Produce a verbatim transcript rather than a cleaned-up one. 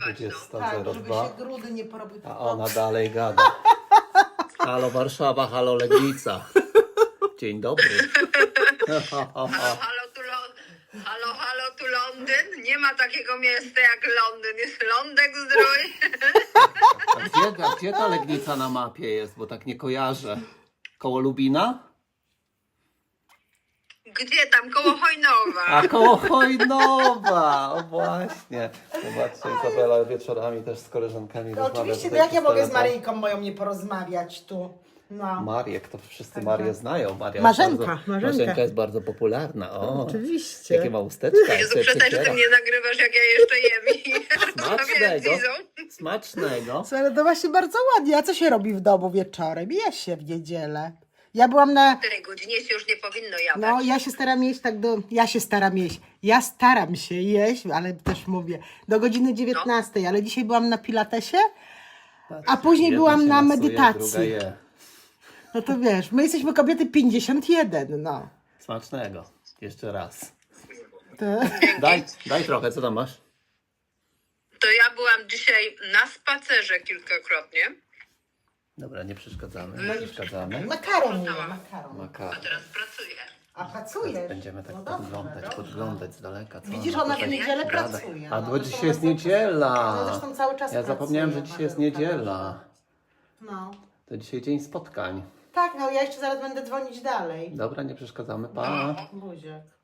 dwudziesta Tak, zero żeby dwa. się grudy nie porobiły. A ona dalej gada. Halo Warszawa, halo Legnica. Dzień dobry. Halo, halo, tu Lon- halo, halo, tu Londyn. Nie ma takiego miasta jak Londyn. Jest Lądek Zdrój. A gdzie, a gdzie ta Legnica na mapie jest? Bo tak nie kojarzę. Koło Lubina? Gdzie tam? Koło Hojnowa. A koło Hojnowa! O właśnie. Zobaczcie, Izabela wieczorami też z koleżankami No rozmawia oczywiście, to tutaj jak ja przez mogę z telefon. Maryjką moją nie porozmawiać tu? No. Mariek, to wszyscy Także- Marię znają. Maria jest Marzenka, bardzo, Marzenka. Marzenka jest bardzo popularna. O, Oczywiście. jakie ma usteczka. Jezu, jak się przestań, że przeciera. ty mnie nagrywasz, jak ja jeszcze jem i rozmawiam z Smacznego. Izą. Smacznego. Co, ale to właśnie bardzo ładnie. A co się robi w domu wieczorem? Je się w niedzielę. Ja byłam na... W której godzinie się już nie powinno jadać. No, ja się staram jeść tak do... Ja się staram jeść. Ja staram się jeść, ale też mówię, do godziny dziewiętnastej, ale dzisiaj byłam na pilatesie, a później Jedna byłam się na masuje, druga medytacji. je. No to wiesz, my jesteśmy kobiety pięćdziesiąt jeden, no. Smacznego. Jeszcze raz. To... Daj, daj trochę, co tam masz? To ja byłam dzisiaj na spacerze kilkakrotnie. Dobra, nie przeszkadzamy, nie przeszkadzamy. Makaron nie, makaron. Maka. Teraz pracuję. A pracujesz? Będziemy tak No dobrze, podglądać, dobrze. podglądać z daleka. Co Widzisz, ona ona w tutaj niedzielę gada. pracuje. A No, bo zresztą dzisiaj jest ona- niedziela. Ona zresztą cały czas Ja zapomniałem, że pracuje, dzisiaj jest Marzenka, niedziela. No. To dzisiaj dzień spotkań. Tak, no ja jeszcze zaraz będę dzwonić dalej. Dobra, nie przeszkadzamy. Pa. Buziak.